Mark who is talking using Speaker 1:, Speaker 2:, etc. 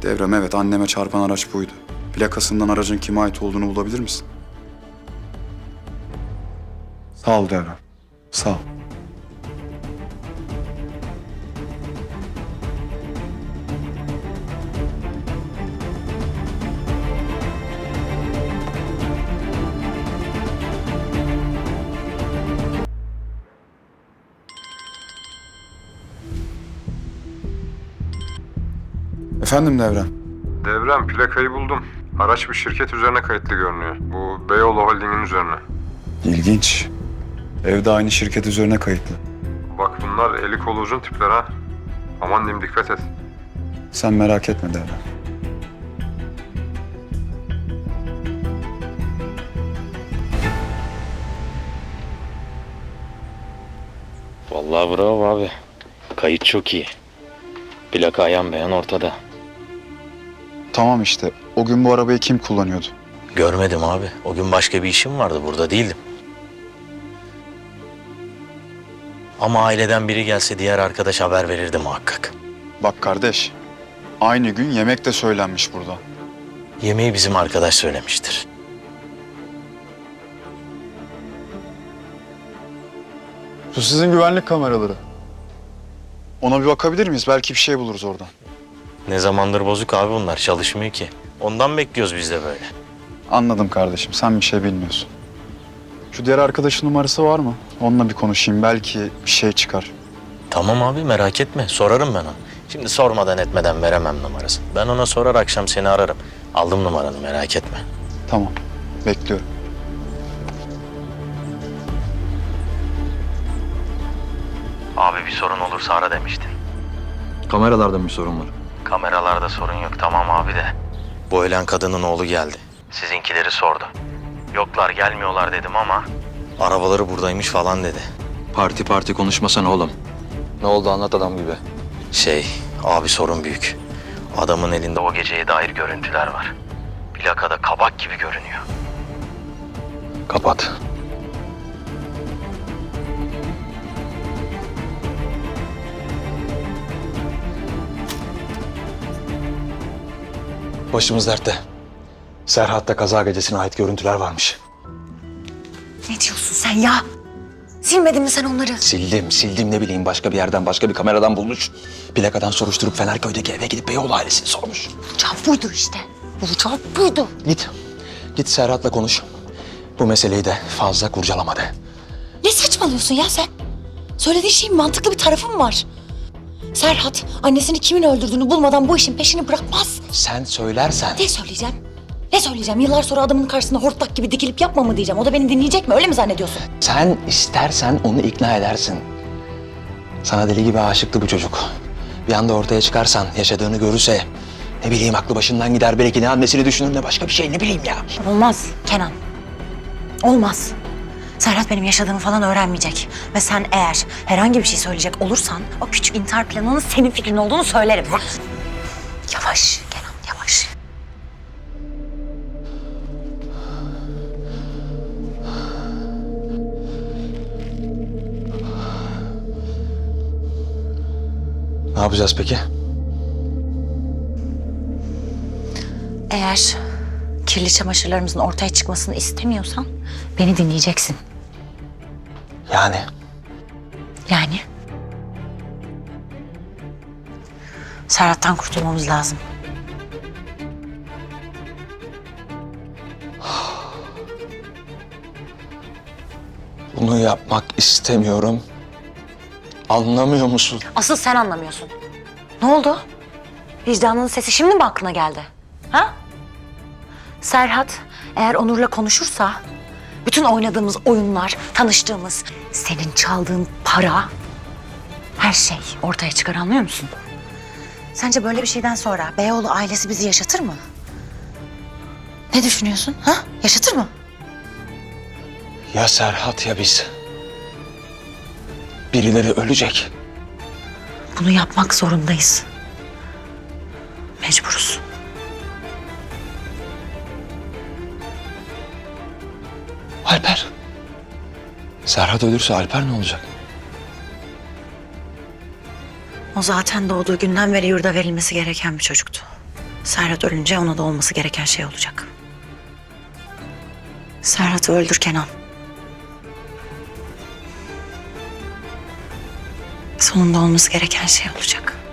Speaker 1: Devrem, evet, anneme çarpan araç buydu. Plakasından aracın kime ait olduğunu bulabilir misin? Sağ ol Devrem. Sağ ol. Efendim Devrem.
Speaker 2: Devrem, plakayı buldum. Araç bir şirket üzerine kayıtlı görünüyor. Bu Beyoğlu Holding'in üzerine.
Speaker 1: İlginç. Evde aynı şirket üzerine kayıtlı.
Speaker 2: Bak bunlar eli kolu uzun tipler ha. Aman diyeyim, dikkat et.
Speaker 1: Sen merak etme Devrem.
Speaker 3: Vallahi bravo abi. Kayıt çok iyi. Plaka ayan beyan ortada.
Speaker 1: Tamam işte. O gün bu arabayı kim kullanıyordu?
Speaker 3: Görmedim abi. O gün başka bir işim vardı. Burada değildim. Ama aileden biri gelse diğer arkadaş haber verirdi muhakkak.
Speaker 1: Bak kardeş. Aynı gün yemek de söylenmiş burada.
Speaker 3: Yemeği bizim arkadaş söylemiştir.
Speaker 1: Bu sizin güvenlik kameraları. Ona bir bakabilir miyiz? Belki bir şey buluruz oradan.
Speaker 3: Ne zamandır bozuk abi bunlar. Çalışmıyor ki. Ondan bekliyoruz biz de böyle.
Speaker 1: Anladım kardeşim. Sen bir şey bilmiyorsun. Şu diğer arkadaşın numarası var mı? Onunla bir konuşayım. Belki bir şey çıkar.
Speaker 3: Tamam abi merak etme. Sorarım ben ona. Şimdi sormadan etmeden veremem numarasını. Ben ona sorar akşam seni ararım. Aldım numaranı merak etme.
Speaker 1: Tamam. Bekliyorum.
Speaker 3: Abi bir sorun olursa ara demiştin.
Speaker 4: Kameralarda mı bir sorun var?
Speaker 3: Kameralarda sorun yok tamam abi de. Bu ölen kadının oğlu geldi. Sizinkileri sordu. Yoklar gelmiyorlar dedim ama arabaları buradaymış falan dedi.
Speaker 4: Parti konuşmasana oğlum. Ne oldu anlat adam gibi.
Speaker 3: Abi sorun büyük. Adamın elinde o geceye dair görüntüler var. Plakada kabak gibi görünüyor.
Speaker 4: Kapat. Başımız dertte. Serhat'ta kaza gecesine ait görüntüler varmış.
Speaker 5: Ne diyorsun sen ya? Silmedin mi sen onları?
Speaker 4: Sildim ne bileyim başka bir yerden başka bir kameradan bulmuş. Plakadan soruşturup Fenerköy'deki eve gidip Beyoğlu ailesini sormuş.
Speaker 5: Bulacağı buydu işte. Bulacağı buydu.
Speaker 4: Git Serhat'la konuş. Bu meseleyi de fazla kurcalama de.
Speaker 5: Ne saçmalıyorsun ya sen? Söylediğin şeyin mantıklı bir tarafı mı var? Serhat annesini kimin öldürdüğünü bulmadan bu işin peşini bırakmaz.
Speaker 4: Sen söylersen...
Speaker 5: Ne söyleyeceğim? Ne söyleyeceğim? Yıllar sonra adamın karşısında hortlak gibi dikilip yapma mı diyeceğim? O da beni dinleyecek mi? Öyle mi zannediyorsun?
Speaker 4: Sen istersen onu ikna edersin. Sana deli gibi aşıktı bu çocuk. Bir anda ortaya çıkarsan, yaşadığını görürse... Ne bileyim aklı başından gider, belki ne annesini düşünür ne başka bir şey, ne bileyim ya.
Speaker 5: Olmaz Kenan. Olmaz. Serhat benim yaşadığımı falan öğrenmeyecek. Ve sen eğer herhangi bir şey söyleyecek olursan... ...o küçük intihar planının senin fikrin olduğunu söylerim. Yavaş Kenan, yavaş.
Speaker 4: Ne yapacağız peki?
Speaker 5: Eğer kirli çamaşırlarımızın ortaya çıkmasını istemiyorsan beni dinleyeceksin.
Speaker 4: Yani
Speaker 5: Yani? Serhat'tan kurtulmamız lazım.
Speaker 4: bunu yapmak istemiyorum. Anlamıyor musun?
Speaker 5: Asıl sen anlamıyorsun. Ne oldu? Vicdanının sesi şimdi mi aklına geldi? Ha? Serhat eğer Onur'la konuşursa... ...bütün oynadığımız oyunlar, tanıştığımız, senin çaldığın para... ...her şey ortaya çıkar, anlıyor musun? Sence böyle bir şeyden sonra Beyoğlu ailesi bizi yaşatır mı? Ne düşünüyorsun? Ha? Yaşatır mı?
Speaker 4: Ya Serhat ya biz. Birileri ölecek.
Speaker 5: Bunu yapmak zorundayız. Mecburuz.
Speaker 4: Alper. Serhat ölürse Alper ne olacak?
Speaker 5: O zaten doğduğu günden beri yurda verilmesi gereken bir çocuktu. Serhat ölünce ona da olması gereken şey olacak. Serhat'ı öldür Kenan. Sonunda olması gereken şey olacak.